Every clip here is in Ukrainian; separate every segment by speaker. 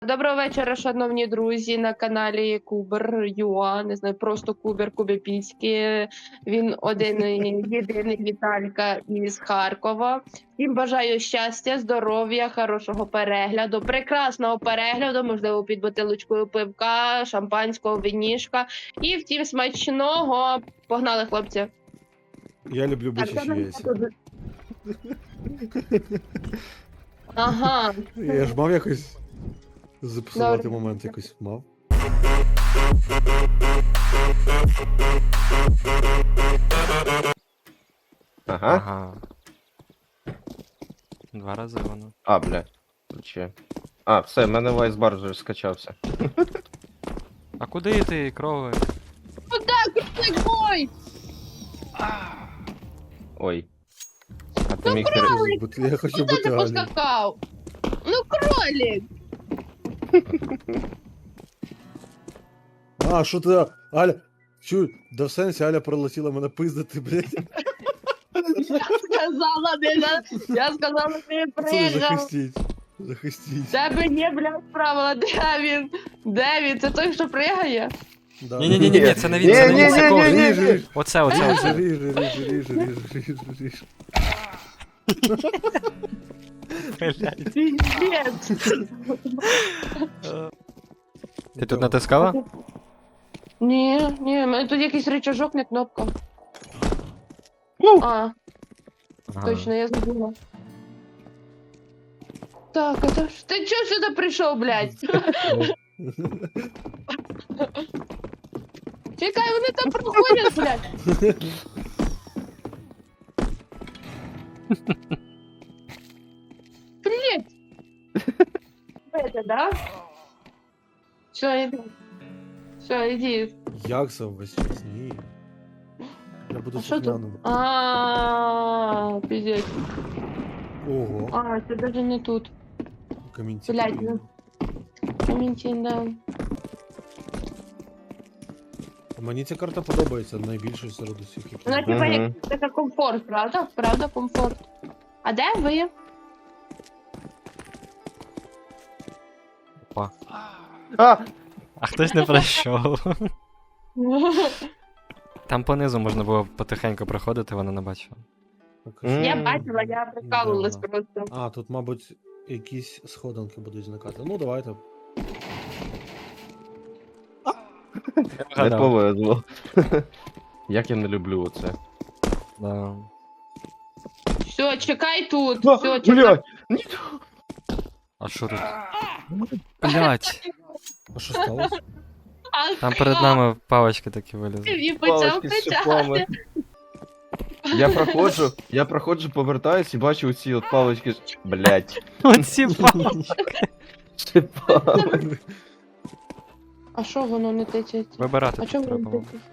Speaker 1: Доброго вечора, шановні друзі, на каналі Кубер Юа, не знаю, просто Кубер Кубіпільський. Він один єдиний Віталька із Харкова. Всім бажаю щастя, здоров'я, хорошого перегляду, прекрасного перегляду, можливо, під бутилочкою пивка, шампанського, винішка. І втім, смачного. Погнали, хлопці.
Speaker 2: Я люблю бичачі яйця.
Speaker 1: Ага.
Speaker 2: Я ж мав якось записувати
Speaker 1: Добре.
Speaker 2: момент, якось мав.
Speaker 3: Ага.
Speaker 4: Ага. Два рази воно.
Speaker 3: А, бля. Вообще. А, все, в мене вайсбар вже скачався.
Speaker 4: А куди ти, крови?
Speaker 1: Ой,
Speaker 3: Ой. А ти міг пере...
Speaker 2: Я хочу
Speaker 1: куди
Speaker 2: бути
Speaker 1: ти
Speaker 2: Алі.
Speaker 1: поскакав? Ну, кролик!
Speaker 2: А, що ти, Аля? Чуй, да в сенсі Аля прилетіла мене пиздити, блядь.
Speaker 1: Сказала, я сказала, ти
Speaker 2: Це
Speaker 1: приїжджав.
Speaker 2: захистіть. Захистіть.
Speaker 1: Тебе є, блядь, правила, де він? Де він? Це той, що пригає?
Speaker 2: Да.
Speaker 4: Ні, це не він, це не він, це кого?
Speaker 2: Ріж, ріж.
Speaker 4: Оце.
Speaker 2: Ріж.
Speaker 4: Блядь.
Speaker 1: Піздець.
Speaker 4: Ти тут натискала?
Speaker 1: Ні, ні, в мене тут якийсь рычажок, не кнопка. А,
Speaker 4: Ага.
Speaker 1: точно, я забула. Так, это ж... Ти чого сюди прийшов, блядь? Чекай, вони там проходять, блядь. Привіт! Это, да? Все, иди. Все, иди.
Speaker 2: Як це весь час? Ні. Я буду
Speaker 1: А що тут?
Speaker 2: слухняним.
Speaker 1: Пиздец.
Speaker 2: Ого,
Speaker 1: А, це даже не тут.
Speaker 2: камінці.
Speaker 1: Блядь, ну. Коментин, да.
Speaker 2: Мені ця карта подобається, найбільше серед усіх, які.
Speaker 1: Вона типа
Speaker 3: Мгм.
Speaker 1: як така комфорт, правда? Правда, комфорт. А де ви?
Speaker 4: Опа.
Speaker 3: А!
Speaker 4: А хтось не пройшов. Там понизу можна було потихеньку проходити, вона не бачила.
Speaker 1: Я бачила, я прикалувалась
Speaker 2: Да.
Speaker 1: просто.
Speaker 2: А, тут, мабуть, якісь сходинки будуть зникати. Ну, давайте.
Speaker 3: Не
Speaker 4: Вгадав.
Speaker 3: повезло. Як я не люблю оце.
Speaker 4: Да.
Speaker 1: Все, чекай тут. Все, чекай.
Speaker 3: Блядь!
Speaker 4: А що тут? Блять.
Speaker 2: А що сталося?
Speaker 4: Там перед нами палочки такі вилізли.
Speaker 1: І почав
Speaker 3: Палочки з шипами.
Speaker 1: кричати.
Speaker 3: Я проходжу, повертаюсь і бачу оці от палочки. Блядь.
Speaker 4: Оці палочки.
Speaker 3: Шипами.
Speaker 1: А що воно не тичеться?
Speaker 4: Вибирати
Speaker 1: А чому
Speaker 4: тут
Speaker 1: воно
Speaker 4: треба
Speaker 1: не
Speaker 4: було.
Speaker 1: тичеться?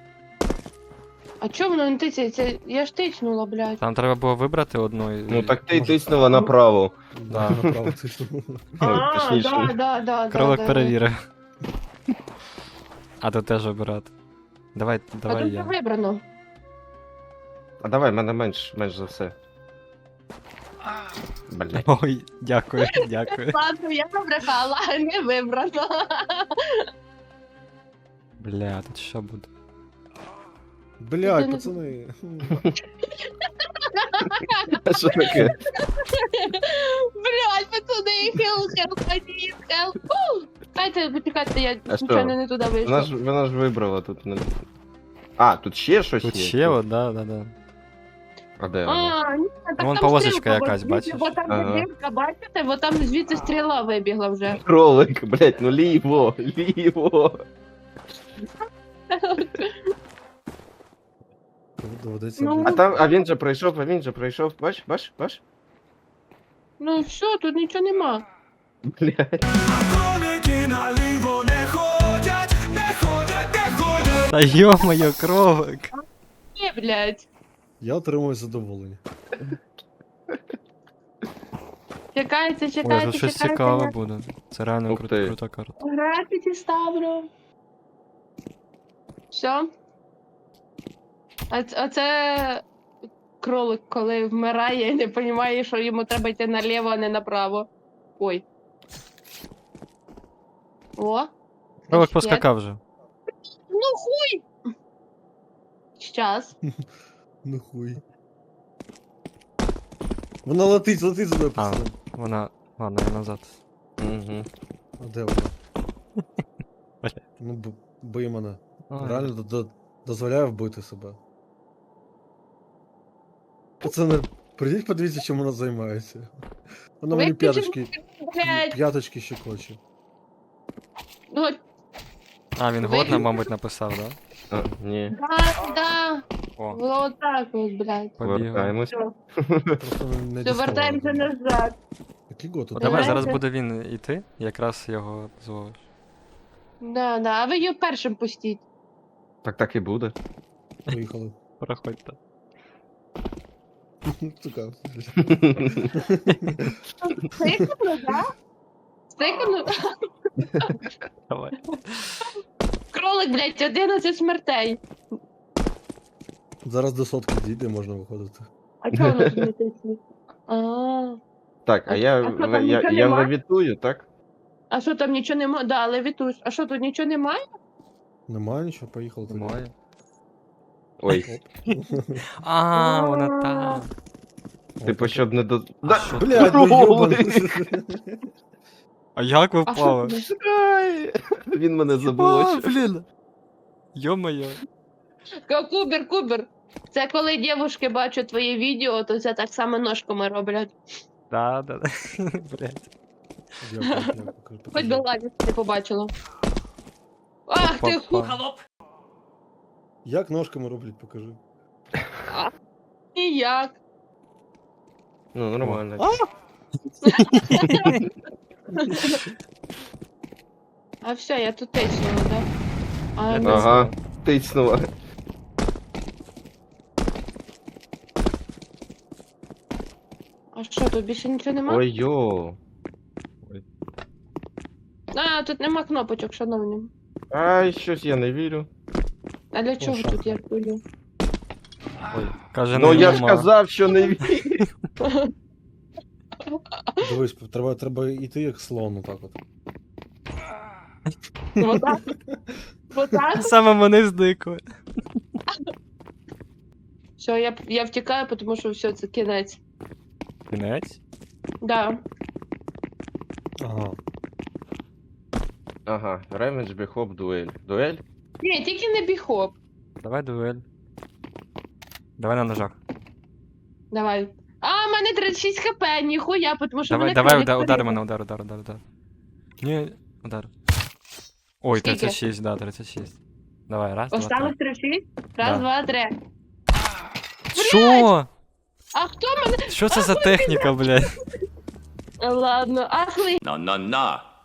Speaker 1: А чому воно не тичеться? Я ж тичнула, блядь.
Speaker 4: Там треба було вибрати одну і...
Speaker 3: Ну так ти тиснула направо.
Speaker 2: Да, направо тиснув.
Speaker 3: Ой, точніше.
Speaker 1: да.
Speaker 4: Кролик
Speaker 1: да.
Speaker 4: перевірив. А тут теж вибирати. Давай
Speaker 1: А тут вже
Speaker 4: я.
Speaker 1: вибрано.
Speaker 3: А давай, мене менш за все. Блядь.
Speaker 4: Ой, дякую.
Speaker 1: Ладно, я набрехала, не вибрано.
Speaker 4: Бля, тут що буде?
Speaker 2: Блядь, пацани.
Speaker 3: А що таке?
Speaker 1: Блядь, пацани, хел. Дайте, почекайте, я
Speaker 3: А що?
Speaker 1: нічого не туди вийшла.
Speaker 3: Вона ж вибрала тут. А, тут ще щось
Speaker 4: Тут
Speaker 3: є?
Speaker 4: ще, от, да.
Speaker 3: А де вона?
Speaker 1: А, ні, так
Speaker 4: Вон
Speaker 1: там
Speaker 4: полосочка
Speaker 1: стрілка,
Speaker 4: якась,
Speaker 1: бо
Speaker 4: бачиш?
Speaker 1: Бо там
Speaker 3: Ага.
Speaker 1: дірка, бачите, бо там звідси стріла вибігла вже.
Speaker 3: Кролик, блядь, ну ліво.
Speaker 2: Доведеться.
Speaker 1: Ну.
Speaker 2: блядь.
Speaker 3: А він же пройшов, бач?
Speaker 1: Ну все, тут нічого нема.
Speaker 3: Блядь.
Speaker 4: Та йо-моє, кролик.
Speaker 1: Ні, блядь.
Speaker 2: Я отримую задоволення.
Speaker 1: Чекайте,
Speaker 4: Ой,
Speaker 1: чекайте,
Speaker 4: тут щось
Speaker 1: чекайте.
Speaker 4: цікаве буде. Це реально
Speaker 3: Ух ти.
Speaker 4: крута карта.
Speaker 1: Графіті ставлю. Все. А це кролик, коли вмирає і не розуміє, що йому треба йти наліво, а не направо. Ой. О.
Speaker 4: Кролик
Speaker 1: Ще.
Speaker 4: поскакав вже.
Speaker 1: Ну хуй! Щас.
Speaker 2: Ну хуй. Вона летить сюди,
Speaker 4: А,
Speaker 2: пацани.
Speaker 4: вона. Ладно, я назад.
Speaker 3: Угу.
Speaker 2: А де вона?
Speaker 4: Бля.
Speaker 2: Ну, бий мене.
Speaker 4: Ой.
Speaker 2: Реально дозволяє вбити себе. Пацани, прийдіть подивіться, чим вона займається. Вона мені
Speaker 1: Виключи, блядь.
Speaker 2: п'яточки ще хоче.
Speaker 1: Ну,
Speaker 4: А, він годно, мабуть, написав, да?
Speaker 3: А, ні.
Speaker 1: да.
Speaker 4: О,
Speaker 1: Вот так от, блядь.
Speaker 4: побігав.
Speaker 3: Повертаємось.
Speaker 1: Все,
Speaker 2: Просто не
Speaker 1: все, вертаємося назад.
Speaker 2: Який год
Speaker 4: Ну
Speaker 2: тут?
Speaker 4: давай,
Speaker 1: Давайте.
Speaker 4: зараз буде він іти, якраз його зловиш.
Speaker 1: Да, да. А ви його першим пустіть.
Speaker 3: Так і буде.
Speaker 2: Поїхали.
Speaker 4: Проходьте.
Speaker 2: Сука.
Speaker 1: Стикнули, да? Стикнули?
Speaker 4: Давай.
Speaker 1: Кролик, блядь, 11 смертей.
Speaker 2: Зараз до сотки дійде, можна виходити.
Speaker 1: А чого воно не тисне? А,
Speaker 3: Так, а
Speaker 1: А
Speaker 3: я,
Speaker 1: що, там нічого
Speaker 3: я
Speaker 1: нема?
Speaker 3: левітую, так?
Speaker 1: а що там нічого немає? Да, левітуш. А що тут нічого немає?
Speaker 2: Немає нічого, поїхали. тоді.
Speaker 4: Немає.
Speaker 3: Ой,
Speaker 2: Оп.
Speaker 4: А, вона там.
Speaker 3: типу, щоб не до...
Speaker 4: А
Speaker 3: Да,
Speaker 4: що?
Speaker 2: Блядь, ну
Speaker 3: Кролик!
Speaker 2: ёбаний.
Speaker 4: А як ви
Speaker 1: А що
Speaker 4: впали?
Speaker 1: тут?
Speaker 3: Ай, він мене
Speaker 4: А,
Speaker 3: заблочив.
Speaker 4: блін. Йо-моє.
Speaker 1: Кубер. Це коли дівчатки бачать твоє відео, то це так само ножками роблять.
Speaker 4: Да. Блять.
Speaker 2: Дякую.
Speaker 1: Хоч би ладно не побачила. Ах ти
Speaker 4: Опа.
Speaker 2: Як ножками роблять, покажи.
Speaker 1: ніяк.
Speaker 3: Ну, нормально.
Speaker 1: А все, я тут тиснула, да? А,
Speaker 4: Я
Speaker 1: ну,
Speaker 3: Ага, тицнула.
Speaker 1: а що, тут більше нічого нема?
Speaker 3: Ой, йо.
Speaker 1: А, тут нема кнопочок, шановні.
Speaker 3: Ай, щось я не вірю.
Speaker 1: А для чого
Speaker 2: шахи.
Speaker 1: тут я хвилю?
Speaker 4: Каже,
Speaker 3: Ну
Speaker 4: не
Speaker 3: я ж
Speaker 4: нема.
Speaker 3: казав, що не вірю.
Speaker 2: Дивись, треба йти як слон, отак от.
Speaker 1: Отак? Отак?
Speaker 4: Саме мене здикли.
Speaker 1: Все, я втікаю, тому що все, це кінець.
Speaker 4: Кінець?
Speaker 1: Да.
Speaker 2: Ага.
Speaker 3: Ага, ревенж, біхоп, дуель. Дуель?
Speaker 1: Ні, тільки не біхоп.
Speaker 4: Давай дуель. Давай на ножах.
Speaker 1: Давай. А, в мене 36 хп, ніхуя, тому що
Speaker 4: Давай,
Speaker 1: мене
Speaker 4: давай,
Speaker 1: кролик
Speaker 4: удар
Speaker 1: перебив.
Speaker 4: мене, удар. Ні, удар. Ой,
Speaker 1: Скільки?
Speaker 4: 36, да, 36. Давай, раз, два,
Speaker 1: Останок
Speaker 4: три.
Speaker 1: 36? Раз,
Speaker 4: Да.
Speaker 1: два, три.
Speaker 4: Що?
Speaker 1: А хто мене?
Speaker 4: Що це за техніка, блядь?
Speaker 1: Ладно, ахли.